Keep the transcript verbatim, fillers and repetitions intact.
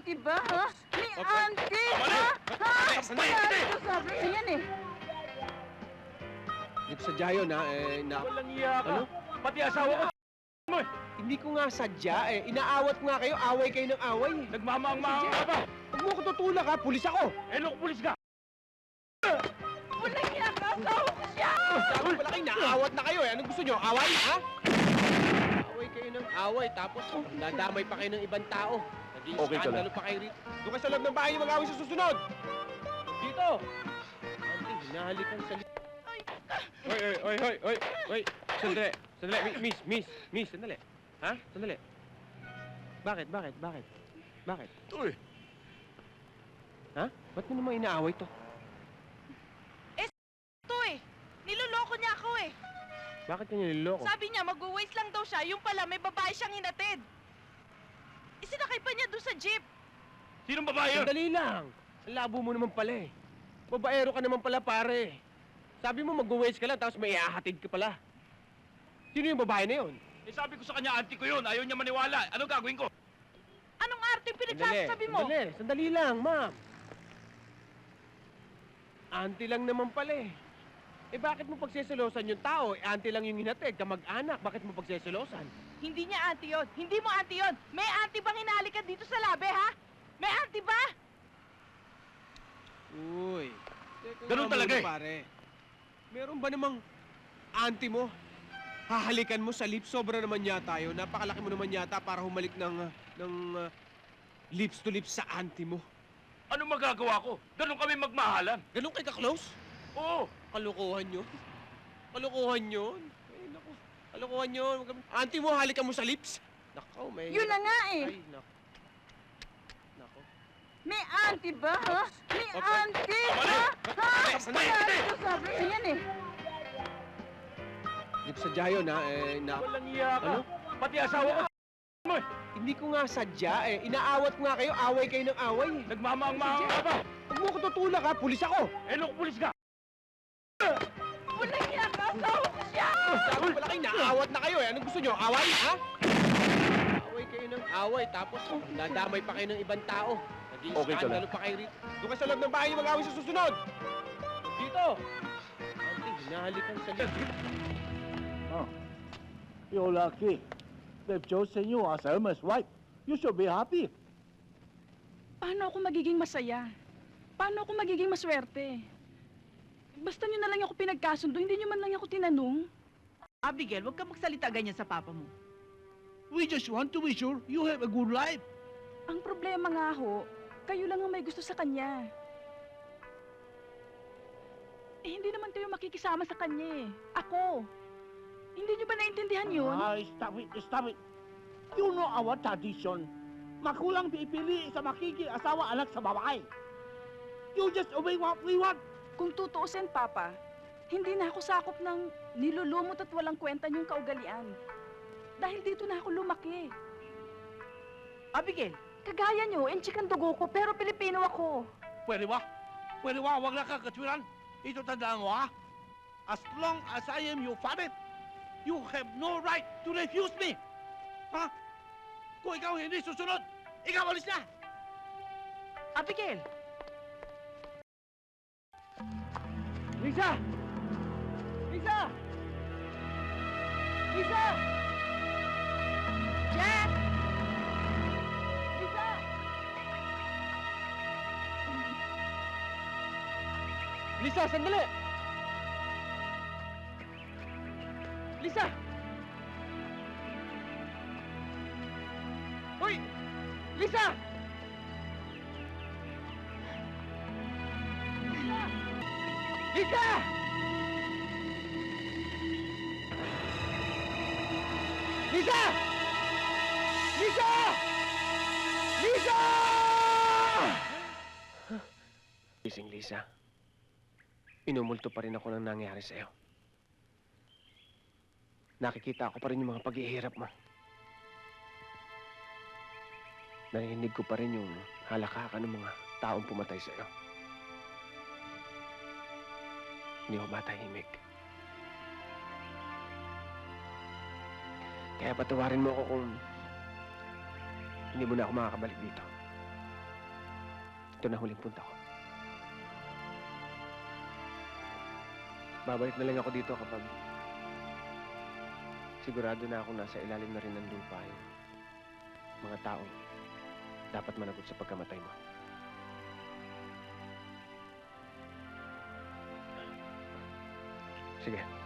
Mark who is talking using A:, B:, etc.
A: auntie ba, ha? May
B: Opo.
A: auntie,
B: Tama na!
A: ha? Ha?
B: Sandali,
A: Wala
B: sandali!
A: ito sabi na yan, eh.
B: Hindi ko sadya yun, ha? Eh, na...
C: Walang iya ka.
B: Ano?
C: Pati asawa ko. Mo eh.
B: Hindi ko nga sadya, eh. Inaawat ko nga kayo. Away kayo ng away, eh.
C: Nagmamaang-maang ka ba?
B: Huwag mo ko tutulak, ha? Pulis ako!
C: Eh, loko pulis ka.
A: Walang iya ka, asawa ko siya!
B: Sabi pala kayo, naawat na kayo, eh. Anong gusto nyo? Away, ha? Away kayo ng away, tapos dadamay pa kayo ng ibang tao. Naging
C: Okay ka
B: skandalo pa kayo rito. Doon kayo sa loob ng bahay niyo mag-away sa susunod! Dito! Auntie, hinahalikan sa li... Hoy, hoy, hoy, hoy, hoy, hoy! Sandali, sandali, Mi- miss, miss, miss, sandali. Ha? Sandali. Bakit, bakit, bakit? Bakit?
C: Uy.
B: Ha? Ba't mo naman inaaway to?
D: Ito eh. Niloloko niya ako eh.
B: Bakit kanya niloloko?
D: Sabi niya mag-waste lang daw siya, yung pala may babae siyang hinatid. Isinakay pa niya doon sa jeep.
C: Sinong babae yun?
B: Sandali lang. Ang labo mo naman pala eh. Babaero ka naman pala pare. Sabi mo mag-waste ka lang tapos may ihahatid ka pala. Sino yung babae na yun?
C: Eh, sabi ko sa kanya, auntie ko yun. Ayaw niya maniwala. Ano gagawin ko?
D: Anong arte yung pinagsasabi mo?
B: Sandali, sandali lang, ma'am. Auntie lang naman pala eh. Eh bakit mo pagseselosan yung tao? Eh, auntie lang yung hinatid, kamag-anak. Bakit mo pagseselosan?
D: Hindi niya auntie yun. Hindi mo auntie yun. May auntie bang hinalikan dito sa labi, ha? May auntie ba?
B: Uy. Teka
C: Ganun
B: nga
C: talaga
B: muna,
C: eh.
B: Pare. Meron ba namang auntie mo? Hahalikan mo sa lips, sobra naman yata yun. Napakalaki mo naman yata para humalik ng, ah, ng ah, lips to lips sa auntie mo.
C: Ano magagawa ko? Ganun kami magmahalan.
B: Ganun kay ka-close?
C: Oo.
B: Kalokohan yun. Kalokohan yun. Ay, naku. Kalokohan yun. Huwag kami- Auntie mo, halikan mo sa lips. Nakaw, may...
A: Yun na nga eh.
B: Ay, naku. Naku.
A: May auntie ba, ha? May
B: Opo.
A: auntie,
B: Tama na!
A: ha? Ha?
B: Sandali,
A: Wala
B: sandali!
A: ito sabi na yan, eh.
B: Hindi ko sadya yun, ha? Eh, na...
C: Walang iya ka.
B: Ano?
C: Pati asawa ko. Mo eh.
B: Hindi ko nga sadya, eh. Inaawat ko nga kayo. Away kayo ng away, eh.
C: Nagmamaang-maang ka ba?
B: Huwag mo ko tutulak, ha? Pulis ako!
C: Eh, loko pulis ka.
A: Walang iya ka, asawa ko siya!
B: Sabi pala kayo, naawat na kayo, eh. Anong gusto nyo? Away, ha? Away kayo ng away, tapos dadamay pa kayo ng ibang tao. Naging
C: Okay ka
B: skandalo pa kayo rito. Doon kayo sa loob ng bahay niyo mag-away sa susunod! Dito! Auntie, hinahalikan sa lips.
E: Oh, you're lucky. They've chosen you as Elmer's wife. You should be happy.
F: Paano ako magiging masaya? Paano ako magiging maswerte? Basta nyo na lang ako pinagkasundo, hindi nyo man lang ako tinanong.
D: Abigail, huwag ka magsalita ganyan sa papa mo.
E: We just want to be sure you have a good life.
F: Ang problema nga ho, kayo lang ang may gusto sa kanya. Eh, hindi naman kayo makikisama sa kanya eh. Ako. Hindi nyo ba naintindihan yun?
E: Ah, stop it, stop it. You know our tradition. Makulang pipili sa makiki-asawa anak sa babae. You just obey what we want.
F: Kung tutuusin, Papa, hindi na ako sakop ng nilulumot at walang kwenta niyong kaugalian. Dahil dito na ako lumaki.
D: Abigail,
F: Kagaya niyo, enchik ang dugo ko, pero Pilipino ako.
E: Pwede ba? Pwede ba? Huwag na kakatwiran. Ito tandaan mo, ha? As long as I am your father, you have no right to refuse me. Ha? Kung ikaw hindi susunod, ikaw alis na!
D: Abigail!
B: Lisa! Lisa! Lisa!
D: Jack!
B: Lisa! Lisa, sandali! Lisa! Hoy! Lisa! Lisa! Lisa! Lisa! Lisa! Gising, Lisa. Inumulto pa rin ako ng nangyari sa'yo. Nakikita ko pa rin yung mga paghihirap mo. Narinig ko pa rin yung halakhakan ng mga taong pumatay sa'yo. Hindi ko ba tahimik? Kaya patawarin mo ako kung hindi mo na ako makakabalik dito. Ito na huling punta ko. Babalik na lang ako dito kapag sigurado na akong nasa ilalim na rin ng lupa yung mga taong dapat managot sa pagkamatay mo. Sige.